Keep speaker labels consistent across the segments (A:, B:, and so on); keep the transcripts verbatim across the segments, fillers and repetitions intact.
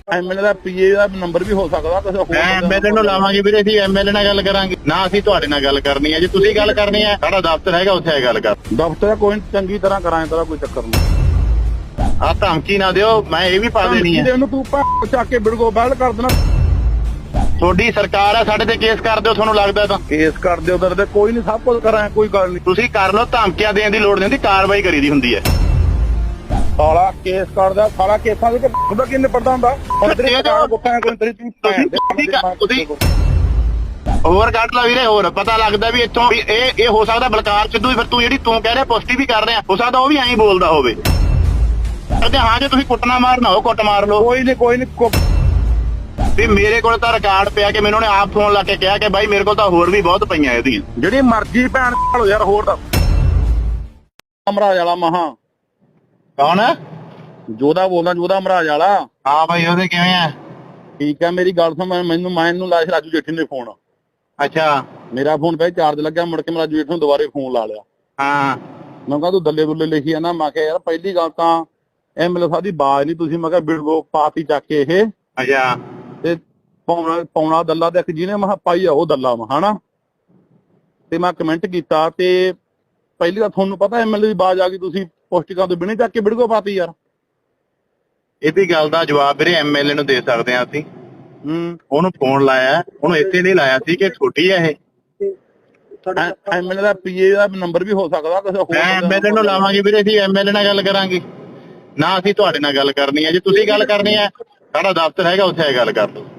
A: MLA ਦਾ ਪੀਏ ਦਾ number ਵੀ ਹੋ ਸਕਦਾ ਕਿਸੇ ਹੋਰ
B: ਐਮਐਲਏ ਨੂੰ ਲਾਵਾਂਗੇ ਵੀਰੇ, ਅਸੀਂ ਐਮਐਲਏ ਨਾਲ ਗੱਲ ਕਰਾਂਗੇ ਨਾ, ਅਸੀਂ ਤੁਹਾਡੇ ਨਾਲ ਗੱਲ ਕਰਨੀ ਹੈ। ਜੇ ਤੁਸੀਂ ਗੱਲ ਕਰਨੀ ਹੈ ਸਾਡਾ ਦਫ਼ਤਰ ਹੈਗਾ, ਉੱਥੇ ਗੱਲ ਕਰ।
A: ਦਫ਼ਤਰ ਕੋਈ ਚੰਗੀ ਤਰ੍ਹਾਂ ਕਰਾਂਗੇ, ਤੇਰਾ ਕੋਈ ਚੱਕਰ ਨਹੀਂ।
B: ਆ ਧਮਕੀ ਨਾ ਦਿਓ, ਮੈਂ ਇਹ ਵੀ ਪਾ ਦੇਣੀ ਹੈ।
A: ਇਹਨੂੰ ਤੂੰ ਚੱਕ ਕੇ ਬਿੜਗੋ ਬਹਿਲ ਕਰ ਦੇਣਾ।
B: ਤੁਹਾਡੀ ਸਰਕਾਰ ਆ, ਸਾਡੇ ਤੇ ਕੇਸ ਕਰ ਦਿਓ, ਤੁਹਾਨੂੰ ਲੱਗਦਾ ਤਾਂ
A: ਕੇਸ ਕਰ ਦਿਓ ਉਧਰ ਤੇ ਕੋਈ ਨਹੀਂ, ਸਭ ਕੁਝ ਕਰਾਂ, ਕੋਈ ਗੱਲ ਨਹੀਂ।
B: ਤੁਸੀਂ ਕਰ ਲਓ, ਧਮਕੀਆਂ ਦੇਣ ਦੀ ਲੋੜ ਨਹੀਂ ਹੁੰਦੀ, ਕਾਰਵਾਈ ਕਰੀ ਦੀ ਹੁੰਦੀ ਹੈ।
A: ਸਾਲਾ ਕੇਸ ਕਰਦਾ, ਸਾਲਾ ਕੇਸਾਂ ਦੇ ਉਹਦਾ ਕੀ ਨਿਪਟਦਾ ਹੁੰਦਾ।
B: ਹੋਰ ਕੱਢ ਲਾ ਵੀਰੇ, ਹੋਰ ਪਤਾ ਲੱਗਦਾ ਵੀ ਇੱਥੋਂ ਵੀ ਇਹ ਇਹ ਹੋ ਸਕਦਾ ਬਲਕਾਰ ਸਿੱਧੂ, ਫਿਰ ਤੂੰ ਜਿਹੜੀ ਤੂੰ ਕਹਿ ਰਿਹਾ ਪੁਸ਼ਟੀ ਵੀ ਕਰ ਰਿਹਾ, ਹੋ ਸਕਦਾ ਉਹ ਵੀ ਐਂ ਬੋਲਦਾ ਹੋਵੇ। ਤੇ ਹਾਂ ਜੇ ਤੁਸੀਂ ਕੁੱਟਣਾ ਮਾਰਨਾ ਹੋ ਕੁੱਟ ਮਾਰ ਲਓ,
A: ਕੋਈ ਨਹੀਂ ਕੋਈ ਨਹੀਂ।
B: ਵੀ ਮੇਰੇ ਕੋਲ ਤਾਂ ਰਿਕਾਰਡ ਪਿਆ ਕਿ ਮੈਨੂੰ ਉਹਨੇ ਆਪ ਫੋਨ ਲਾ ਕੇ ਕਿਹਾ ਕਿ ਬਾਈ ਮੇਰੇ ਕੋਲ ਤਾਂ ਹੋਰ ਵੀ ਬਹੁਤ ਪਈਆਂ ਇਹਦੀਆਂ।
A: ਜਿਹੜੀ ਮਰਜ਼ੀ ਭੈਣ ਭਾਲੋ ਯਾਰ, ਹੋਰ ਦਾ ਅਮਰਾਜ ਵਾਲਾ ਮਹਾ
B: ਕੌਣ ਹੈ?
A: ਜੋਦਾ ਬੋਲਦਾ, ਜੋਦਾ ਅਮਰਾਜ ਵਾਲਾ।
B: ਹਾਂ ਬਾਈ, ਉਹਦੇ ਕਿਵੇਂ ਆ?
A: ਠੀਕ ਹੈ, ਮੇਰੀ ਗੱਲ ਸੁਣ। ਮੈਨੂੰ ਮੈਨੂੰ ਲਾਇਆ ਰਾਜੂ ਜੇਠੀ ਨੇ ਫੋਨ।
B: ਅੱਛਾ।
A: ਮੇਰਾ ਫੋਨ ਪਹਿਲੇ ਚਾਰਜ ਲੱਗਿਆ, ਮੁੜ ਕੇ ਮੈਂ ਰਾਜੂ ਜੇਠੀ ਨੂੰ ਦੁਬਾਰੇ ਫੋਨ ਲਾ ਲਿਆ।
B: ਹਾਂ।
A: ਮੈਂ ਕਿਹਾ ਤੂੰ ਦੱਲੇ ਦੁੱਲੇ ਲਿਖੀ ਆ ਨਾ। ਮੈਂ ਕਿਹਾ ਯਾਰ ਪਹਿਲੀ ਗੱਲ ਤਾਂ ਐਮਐਲਏ ਸਾਹਿਬ ਦੀ ਬਾਜ਼ ਨਹੀਂ ਤੁਸੀਂ, ਮੈਂ ਕਿਹਾ ਬਿੜਗੋ ਪਾਤੀ ਚੱਕ ਕੇ ਇਹ।
B: ਅੱਛਾ।
A: ਤੇ ਪੌਣਾ ਪੌਣਾ ਦੱਲਾ ਤੇ ਇੱਕ ਜਿਹਨੇ ਮੈਂ ਪਾਈ ਆ ਉਹ ਦੱਲਾ ਵਾ ਹਨਾ। ਤੇ ਮੈਂ ਕਮੈਂਟ ਕੀਤਾ ਤੇ ਪਹਿਲੀ ਤਾਂ ਤੁਹਾਨੂੰ ਪਤਾ ਐਮਐਲਏ ਦੀ ਬਾਜ਼ ਆ ਗਈ, ਤੁਸੀਂ ਪੋਸਟਿਕਾਂ ਤੋਂ ਬਿਨੇ ਚੱਕ ਕੇ ਬਿੜਗੋ ਪਾਤੀ ਯਾਰ।
B: ਇਹਦੀ ਗੱਲ ਦਾ ਜਵਾਬ ਵੀਰੇ ਐਮਐਲਏ ਨੂੰ ਦੇ ਸਕਦੇ ਆ ਅਸੀਂ।
A: ਹੂੰ।
B: ਉਹਨੂੰ ਫੋਨ ਲਾਇਆ, ਉਹਨੂੰ ਇੱਥੇ ਨਹੀਂ ਲਾਇਆ ਸੀ ਕਿ ਛੋਟੀ ਹੈ ਇਹ।
A: ਐਮਐਲਏ ਦਾ ਪੀਏ ਦਾ ਨੰਬਰ ਵੀ ਹੋ ਸਕਦਾ ਕਿਸੇ ਹੋਰ।
B: ਐਮਐਲਏ ਨੂੰ ਲਾਵਾਂਗੇ ਵੀਰੇ, ਅਸੀਂ ਐਮਐਲਏ ਨਾਲ ਗੱਲ ਕਰਾਂਗੇ ਨਾ, ਅਸੀਂ ਤੁਹਾਡੇ ਨਾਲ ਗੱਲ ਕਰਨੀ ਹੈ। ਜੇ ਤੁਸੀਂ ਗੱਲ ਕਰਨੀ ਹੈ ਸਾਡਾ ਦਫ਼ਤਰ ਹੈਗਾ, ਉੱਥੇ ਗੱਲ ਕਰ ਲਓ।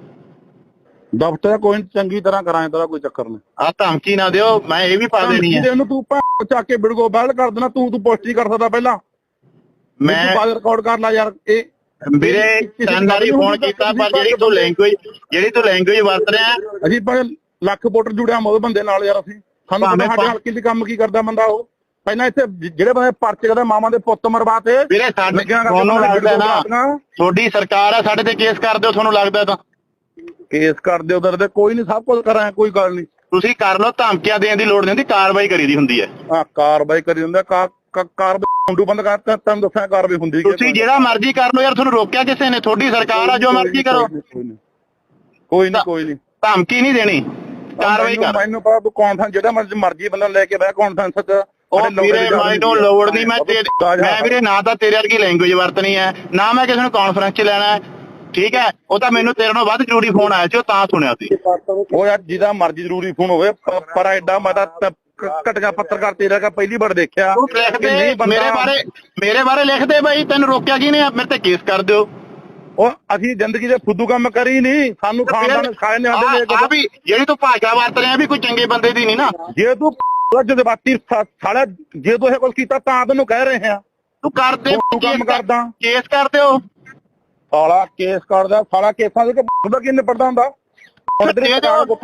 A: ਦਫ਼ਤਰ ਕੋਈ ਚੰਗੀ ਤਰ੍ਹਾਂ ਕਰਾਂਗੇ, ਤੇਰਾ ਕੋਈ ਚੱਕਰ ਨਹੀਂ।
B: ਆ ਧਮਕੀ ਨਾ ਦਿਓ, ਮੈਂ ਇਹ ਵੀ ਪਾ ਦੇਣੀ ਹੈ।
A: ਇਹਨੂੰ ਤੂੰ ਚੱਕ ਕੇ ਬਿੜਗੋ ਬਹਿਲ ਕਰ ਦੇਣਾ। ਤੂੰ ਤੂੰ ਪੁਸ਼ਟੀ ਕਰ ਸਕਦਾ ਪਹਿਲਾਂ,
B: ਮੈਂ
A: ਬਾਅਦ ਰਿਕਾਰਡ ਕਰ ਲਾ ਯਾਰ। ਇਹ
B: ਵੀਰੇ ਤਿੰਨ ਵਾਰੀ ਫੋਨ ਕੀਤਾ, ਪਰ ਜਿਹੜੀ ਤੂੰ ਲੈਂਗੁਏਜ ਜਿਹੜੀ ਤੂੰ ਲੈਂਗੁਏਜ ਵਰਤ ਰਿਹਾ,
A: ਅਸੀਂ ਪਰ ਲੱਖ ਵੋਟਰ ਜੁੜਿਆ ਮੋਦ ਬੰਦੇ ਨਾਲ ਯਾਰ। ਅਸੀਂ ਸਾਨੂੰ ਸਾਡੇ ਹਲਕੇ ਦੀ ਕੰਮ ਕੀ ਕਰਦਾ ਬੰਦਾ ਉਹ। ਪਹਿਲਾਂ ਇੱਥੇ ਜਿਹੜੇ ਬੰਦੇ ਪਰਚੇ ਕਰਦੇ ਮਾਵਾਂ ਦੇ ਪੁੱਤ ਮਰਵਾਤੇ।
B: ਵੀਰੇ ਸਾਡੇ ਤੁਹਾਨੂੰ ਲੱਗਦਾ ਨਾ ਤੁਹਾਡੀ ਸਰਕਾਰ ਆ, ਸਾਡੇ ਤੇ ਕੇਸ ਕਰ ਦਿਓ, ਤੁਹਾਨੂੰ ਲੱਗਦਾ ਤਾਂ
A: ਕੇਸ ਕਰ ਦਿਓ ਉਧਰ ਤੇ ਕੋਈ ਨਹੀਂ, ਸਭ ਕੁਝ ਕਰਾਂ, ਕੋਈ ਗੱਲ ਨਹੀਂ।
B: ਤੁਸੀਂ ਕਰ ਲਓ, ਧਮਕੀਆਂ ਦੇਣ ਦੀ ਲੋੜ ਨਹੀਂ ਹੁੰਦੀ, ਕਾਰਵਾਈ ਕਰੀ ਦੀ ਹੁੰਦੀ ਹੈ।
A: ਹਾਂ ਕਾਰਵਾਈ ਕਰੀ ਹੁੰਦਾ, ਕਾਰਵਾਈ ਮੁੰਡੂ ਬੰਦ ਕਰਤਾ, ਤੁਹਾਨੂੰ ਦੱਸਿਆ ਕਾਰਵਾਈ ਹੁੰਦੀ।
B: ਤੁਸੀਂ ਜਿਹੜਾ ਮਰਜ਼ੀ ਕਰ ਲਓ ਯਾਰ, ਤੁਹਾਨੂੰ ਰੋਕਿਆ ਕਿਸੇ ਨੇ? ਤੁਹਾਡੀ ਸਰਕਾਰ ਆ, ਜੋ ਮਰਜ਼ੀ ਕਰੋ।
A: ਕੋਈ ਨਹੀਂ ਕੋਈ ਨਹੀਂ,
B: ਧਮਕੀ ਨਹੀਂ ਦੇਣੀ, ਕਾਰਵਾਈ ਕਰ।
A: ਮੈਨੂੰ ਪਤਾ ਤੂੰ ਕੌਨਫਰੰਸ ਜਿਹੜਾ ਮਰਜ਼ੀ ਬੰਦਾ ਲੈ ਕੇ ਬਹਿ ਕਾਨਫਰੰਸ ਚ।
B: ਉਹ ਵੀਰੇ ਮੈਨੂੰ ਲੋੜ ਨਹੀਂ, ਮੈਂ ਮੈਂ ਵੀਰੇ ਨਾ ਤਾਂ ਤੇਰੇ ਵਰਗੀ ਲੈਂਗੁਏਜ ਵਰਤਣੀ ਹੈ, ਨਾ ਮੈਂ ਕਿਸੇ ਨੂੰ ਕਾਨਫਰੰਸ ਚ ਲੈਣਾ, ਠੀਕ ਹੈ? ਉਹ ਤਾਂ ਮੈਨੂੰ ਤੇਰੇ ਨਾਲੋਂ ਵੱਧ ਜ਼ਰੂਰੀ ਫੋਨ ਆਇਆ ਸੀ, ਉਹ ਤਾਂ ਸੁਣਿਆ ਸੀ।
A: ਉਹ ਯਾਰ ਜਿਹਦਾ ਮਰਜ਼ੀ ਜ਼ਰੂਰੀ ਫੋਨ ਹੋਵੇ, ਪਰ ਐਡਾ ਮੈਂ ਤਾਂ ਘਟਗਾ ਪੱਤਰਕਾਰ ਤੇਰਾ ਕਾ ਪਹਿਲੀ ਵਾਰ ਦੇਖਿਆ।
B: ਮੇਰੇ ਬਾਰੇ ਮੇਰੇ ਬਾਰੇ ਲਿਖਦੇ ਬਾਈ, ਤੈਨੂੰ ਰੋਕਿਆ ਕਿਹਨੇ? ਮੇਰੇ ਤੇ ਕੇਸ ਕਰ ਦਿਓ।
A: ਉਹ ਅਸੀਂ ਜ਼ਿੰਦਗੀ ਦੇ ਫੁੱਦੂ ਕੰਮ ਕਰੀ ਨਹੀਂ, ਸਾਨੂੰ ਖਾਨਦਾਨ ਸਿਖਾਏ ਨੇ ਸਾਡੇ।
B: ਆ ਵੀ ਜਿਹੜੀ ਤੂੰ ਭਾਸ਼ਾ ਵਰਤ ਰਿਹਾ ਵੀ ਕੋਈ ਚੰਗੇ ਬੰਦੇ ਦੀ ਨਹੀਂ ਨਾ।
A: ਜੇ ਤੂੰ ਜਜ਼ਬਾਤੀ ਸਾਲਾ, ਜੇ ਤੂੰ ਇਹ ਕੁਝ ਕੀਤਾ ਤਾਂ ਤੈਨੂੰ ਕਹਿ ਰਹੇ ਆ।
B: ਤੂੰ ਕਰਦੇ
A: ਕੰਮ ਕਰਦਾ,
B: ਕੇਸ ਕਰ ਦਿਓ।
A: ਸਾਲਾ ਕੇਸ ਕਰਦਾ, ਸਾਲਾ ਕੇਸਾਂ ਦੇ ਉਹਦਾ ਕੀ ਨਿਪਟਦਾ ਹੁੰਦਾ।
B: ਤੁਸੀਂ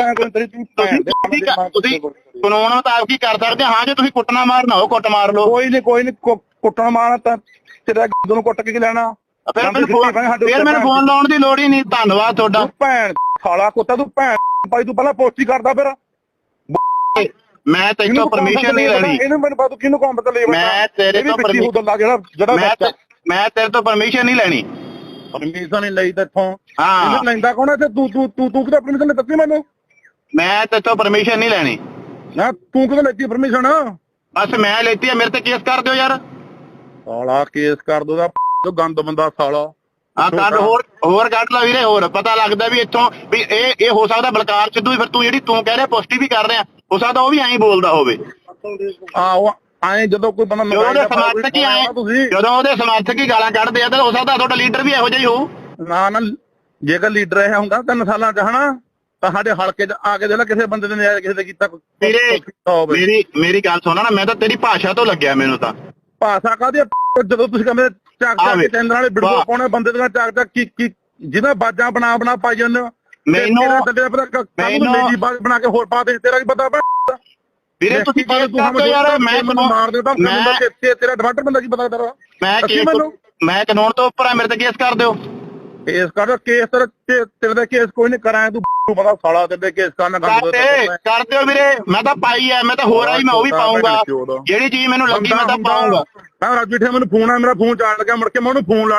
B: ਕਾਨੂੰਨ ਮੁਤਾਬਕ ਕੀ ਕਰ ਸਕਦੇ? ਹਾਂ ਜੇ ਤੁਸੀਂ ਕੁੱਟਣਾ ਮਾਰਨਾ ਹੋ ਕੁੱਟ ਮਾਰ ਲਓ।
A: ਕੋਈ ਨਹੀਂ ਕੋਈ ਨਹੀਂ, ਕੁੱਟਣਾ ਮਾਰਨਾ ਤਾਂ ਤੇਰਾ ਨੂੰ ਕੁੱਟ ਕੇ ਲੈਣਾ।
B: ਫਿਰ ਮੈਨੂੰ ਫੋਨ ਲਾਉਣ ਦੀ ਲੋੜ ਹੀ ਨਹੀਂ। ਧੰਨਵਾਦ ਤੁਹਾਡਾ।
A: ਭੈਣ ਸਾਲਾ ਕੁੱਤਾ, ਤੂੰ ਭੈਣ ਭਾਈ ਤੂੰ ਪਹਿਲਾਂ ਪੋਸਟ ਹੀ ਕਰਦਾ। ਫਿਰ
B: ਮੈਂ ਤੇਰੇ ਤੋਂ ਪਰਮਿਸ਼ਨ ਨਹੀਂ ਲੈਣੀ।
A: ਇਹਨੂੰ ਮੈਨੂੰ ਪਤਾ ਕਿਹਨੂੰ ਕੰਮ ਤੇ ਲੈ।
B: ਮੈਂ ਤੇਰੇ ਤੋਂ
A: ਜਿਹੜਾ ਜਿਹੜਾ
B: ਮੈਂ ਤੇਰੇ ਤੋਂ ਪਰਮਿਸ਼ਨ ਨਹੀਂ ਲੈਣੀ।
A: ਪਰਮਿਸ਼ਨ ਨਹੀਂ ਲਈ ਤੇਥੋਂ।
B: ਹਾਂ
A: ਲੈਂਦਾ ਕੌਣ ਇੱਥੇ? ਤੂੰ ਤੂੰ ਤੂੰ ਤੂੰ ਕਿਹਦਾ ਪਰਮਿਸ਼ਨ ਦਿੱਤੀ ਮੈਨੂੰ?
B: ਮੈਂ ਤੇਥੋਂ ਪਰਮਿਸ਼ਨ ਨਹੀਂ ਲੈਣੀ।
A: ਨਾ ਤੂੰ ਕਿਹਦਾ ਲੈਤੀ ਪਰਮਿਸ਼ਨ?
B: ਬਸ ਮੈਂ ਲੈਤੀ ਆ, ਮੇਰੇ ਤੇ ਕੇਸ ਕਰ ਦਿਓ ਯਾਰ।
A: ਸਾਲਾ ਕੇਸ ਕਰ ਦੋ ਦਾ ਗੰਦ ਬੰਦਾ ਸਾਲਾ।
B: ਹਾਂ ਕੱਢ, ਹੋਰ ਹੋਰ ਕੱਢ ਲਾ ਵੀਰੇ। ਹੋਰ ਪਤਾ ਲੱਗਦਾ ਵੀ ਇੱਥੋਂ ਵੀ ਇਹ ਇਹ ਹੋ ਸਕਦਾ ਬਲਕਾਰ ਸਿੱਧੂ, ਫਿਰ ਤੂੰ ਜਿਹੜੀ ਤੂੰ ਕਹਿ ਰਿਹਾ ਪੁਸ਼ਟੀ ਵੀ ਕਰ ਰਿਹਾ, ਹੋ ਸਕਦਾ ਉਹ ਵੀ ਐਂ ਬੋਲਦਾ ਹੋਵੇ।
A: ਆਹੋ ਆਏ ਜਦੋਂ ਕੋਈ ਬੰਦਾ
B: ਜਦੋਂ ਉਹਦੇ ਸਮਰਥਕ ਹੀ ਆਏ ਜਦੋਂ ਉਹਦੇ ਸਮਰਥਕ ਹੀ ਗਾਲਾਂ ਕੱਢਦੇ ਆ, ਤਾਂ ਹੋ ਸਕਦਾ ਤੁਹਾਡਾ ਲੀਡਰ ਵੀ ਇਹੋ ਜਿਹਾ ਹੀ ਹੋਊ। ਨਾ
A: ਨਾ ਜੇਕਰ ਲੀਡਰ ਇਹ ਹੁੰਦਾ ਤਿੰਨ ਸਾਲਾਂ ਚ ਹਨਾ, ਤਾਂ ਸਾਡੇ ਹਲਕੇ ਚ ਆ ਕੇ ਜਿਹੜਾ ਕਿਸੇ ਬੰਦੇ ਨੇ ਨਜਾਇਜ਼ ਕਿਸੇ ਦੇ ਕੀਤਾ।
B: ਮੇਰੀ ਮੇਰੀ ਗੱਲ ਸੁਣਾ ਨਾ, ਮੈਂ ਤਾਂ ਤੇਰੀ ਭਾਸ਼ਾ ਤੋਂ ਲੱਗਿਆ। ਮੈਨੂੰ ਤਾਂ
A: ਭਾਸ਼ਾ ਕਾਹਦੀ? ਜਦੋਂ ਤੁਸੀਂ ਕਹਿੰਦੇ ਚੱਕ ਚੱਕ ਕੇ ਚੈਨਲ ਵਾਲੇ ਵੀਡੀਓ ਪਾਉਣੇ ਬੰਦੇ ਦੀਆਂ, ਚੱਕ ਚੱਕ ਕੀ ਕੀ ਜਿਹਦਾ ਬਾਜਾਂ ਬਣਾ ਬਣਾ ਪਾਈ ਜਾਂਦੇ ਹੋ।
B: ਮੈਨੂੰ
A: ਬਣਾ ਕੇ ਹੋਰ ਪਾ ਦੇ, ਤੇਰਾ ਕੀ ਪਤਾ?
B: ਵੀਰੇ ਤੁਸੀਂ ਯਾਰ ਮੈਂ
A: ਮਾਰ ਦੇਦਾ ਤੇਰਾ ਡਿਫਾਲਟਰ ਬੰਦਾ ਕੀ ਪਤਾ ਤੇਰਾ?
B: ਮੈਂ ਮੈਂ ਕਾਨੂੰਨ ਤੋਂ ਉੱਪਰ ਆ, ਮੇਰੇ ਤੇ ਕੇਸ ਕਰ ਦਿਓ।
A: ਕੇਸ ਕਰ ਕੇਸ ਤੇਰੇ ਦਾ ਕੇਸ ਕੋਈ ਨਹੀਂ ਕਰਾਇਆ। ਤੂੰ ਪਤਾ ਸਾਲਾ ਤੇਰੇ ਕੇਸ ਕਰਨਾ
B: ਕਰ ਦਿਓ ਵੀਰੇ। ਮੈਂ ਤਾਂ ਪਾਈ ਐ, ਮੈਂ ਤਾਂ ਹੋਰ ਆਈ, ਮੈਂ ਉਹ ਵੀ ਪਾਉਂਗਾ। ਜਿਹੜੀ ਚੀਜ਼ ਮੈਨੂੰ ਲੱਗੀ ਮੈਂ ਤਾਂ ਪਾਉਂਗਾ।
A: ਮੈਂ ਰਾਜੂ ਠੇ ਮੈਨੂੰ ਫੋਨ ਆ, ਮੇਰਾ ਫੋਨ ਚਾਰਜ ਲੱਗਿਆ, ਮੁੜ ਕੇ ਮੈਂ ਉਹਨੂੰ ਫੋਨ ਲਾ ਲਿਆ।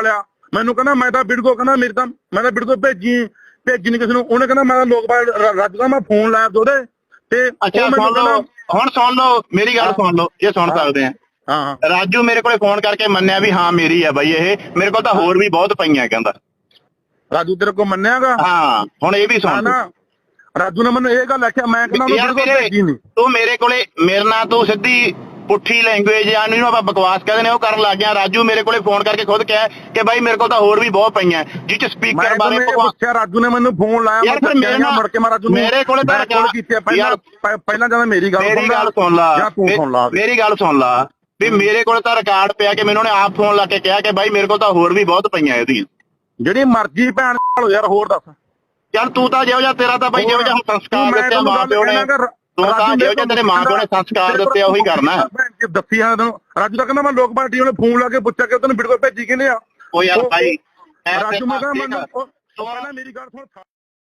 A: ਮੈਨੂੰ ਕਹਿੰਦਾ ਮੈਂ ਤਾਂ ਬਿੜਗੋ ਕਹਿੰਦਾ ਮੇਰੇ ਤਾਂ ਮੈਂ ਤਾਂ ਬਿੜਗੋ ਭੇਜੀ ਭੇਜੀ ਨਹੀਂ ਕਿਸੇ ਨੂੰ। ਉਹਨੇ ਕਹਿੰਦਾ ਮੈਂ ਤਾਂ ਲੋਕਪਾਲ ਰਾਜੂ ਦਾ ਮੈਂ ਫੋਨ ਲਾਇਆ ਉਹਦੇ ਤੇ
B: ਅੱਛਾ ਸੁਣ ਲਓ ਹੁਣ ਸੁਣ ਲਓ ਮੇਰੀ ਗੱਲ ਸੁਣ ਲਓ ਇਹ ਸੁਣ ਸਕਦੇ ਆ।
A: ਹਾਂ
B: ਰਾਜੂ ਮੇਰੇ ਕੋਲੇ ਫੋਨ ਕਰਕੇ ਮੰਨਿਆ ਵੀ ਹਾਂ ਮੇਰੀ ਆ ਬਾਈ ਇਹ ਮੇਰੇ ਕੋਲ ਤਾਂ ਹੋਰ ਵੀ ਬਹੁਤ ਪਈਆਂ ਕਹਿੰਦਾ।
A: ਰਾਜੂ ਤੇਰੇ ਕੋਲ ਮੰਨਿਆਗਾ?
B: ਹਾਂ ਹੁਣ ਇਹ ਵੀ ਸੁਣ
A: ਨਾ ਰਾਜੂ ਨੇ ਮੈਨੂੰ ਇਹ ਗੱਲ ਆਖਿਆ ਮੈਂ ਕਹਿੰਦਾ ਭੇਜੀ ਨਹੀਂ।
B: ਤੂੰ ਮੇਰੇ ਕੋਲੇ ਮੇਰੇ ਨਾਲ ਤੂੰ ਸਿੱਧੀ ਪੁੱਠੀ ਲੈਂਗੁਏਜ ਜਾਂ ਜਿਹਨੂੰ ਆਪਾਂ ਬਕਵਾਸ ਕਹਿੰਦੇ ਨੇ ਉਹ ਕਰਨ ਲੱਗ ਗਿਆ। ਰਾਜੂ ਮੇਰੇ ਕੋਲੇ ਫੋਨ ਕਰਕੇ ਖੁਦ ਕਿਹਾ ਕਿ ਬਾਈ ਮੇਰੇ ਕੋਲ ਤਾਂ ਹੋਰ ਵੀ ਬਹੁਤ ਪਈਆਂ ਜਿਹ ਚ ਸਪੀਕਰ ਬਾਰੇ
A: ਪੁੱਛਿਆ। ਰਾਜੂ ਨੇ ਮੈਨੂੰ ਫੋਨ ਲਾਇਆ
B: ਯਾਰ ਫਿਰ ਮੇਰੇ ਨਾਲ
A: ਮੁੜ ਕੇ ਮੈਂ ਰਾਜੂ ਨੂੰ
B: ਮੇਰੇ ਕੋਲੇ ਤਾਂ
A: ਕਾਲ ਕੀਤੀ ਪਹਿਲਾਂ ਪਹਿਲਾਂ ਜਦੋਂ ਮੇਰੀ ਗੱਲ
B: ਮੇਰੀ ਗੱਲ ਸੁਣ ਲਾ
A: ਜਾਂ ਤੂੰ ਸੁਣ ਲਾ
B: ਮੇਰੀ ਗੱਲ ਸੁਣ ਲਾ ਵੀ ਮੇਰੇ ਕੋਲ ਤਾਂ ਰਿਕਾਰਡ ਪਿਆ ਕਿ ਮੈਨੂੰ ਉਹਨੇ ਆਪ ਫੋਨ ਲਾ ਕੇ ਕਿਹਾ ਕਿ ਬਾਈ ਮੇਰੇ ਕੋਲ ਤਾਂ ਹੋਰ ਵੀ ਬਹੁਤ ਪਈਆਂ ਇਹਦੀਆਂ।
A: ਜਿਹੜੀ ਮਰਜ਼ੀ ਭੈਣ ਭਾਲੋ ਯਾਰ ਹੋਰ ਦੱਸ।
B: ਚੱਲ ਤੂੰ ਤਾਂ ਜਿਹੋ ਜਿਹਾ ਤੇਰਾ ਤਾਂ ਬਾਈ ਜਿਹੋ ਜਿਹਾ ਸੰਸਕਾਰ ਦਿੱਤੇ ਮਾਂ ਪਿਓ ਨੇ ਤੂੰ ਤਾਂ ਜਿਹੋ ਜਿਹਾ ਤੇਰੇ ਮਾਂ ਪਿਓ ਨੇ ਸੰਸਕਾਰ ਦਿੱਤੇ ਉਹੀ ਕਰਨਾ।
A: ਦੱਸੀ ਆ ਤੈਨੂੰ ਰਾਜੂ ਦਾ ਕਹਿੰਦਾ ਮੈਂ ਲੋਕ ਪਾਰਟੀ ਉਹਨੇ ਫੋਨ ਲਾ ਕੇ ਪੁੱਛਿਆ ਕਿ ਤੈਨੂੰ ਵੀਡੀਓ ਭੇਜੀ ਕਿਹਨੇ ਆ।
B: ਉਹ ਯਾਰ ਭਾਈ
A: ਰਾਜੂ ਮੈਂ ਕਹਿੰਦਾ ਮੈਨੂੰ ਮੇਰੀ ਗੱਲ ਸੁਣ।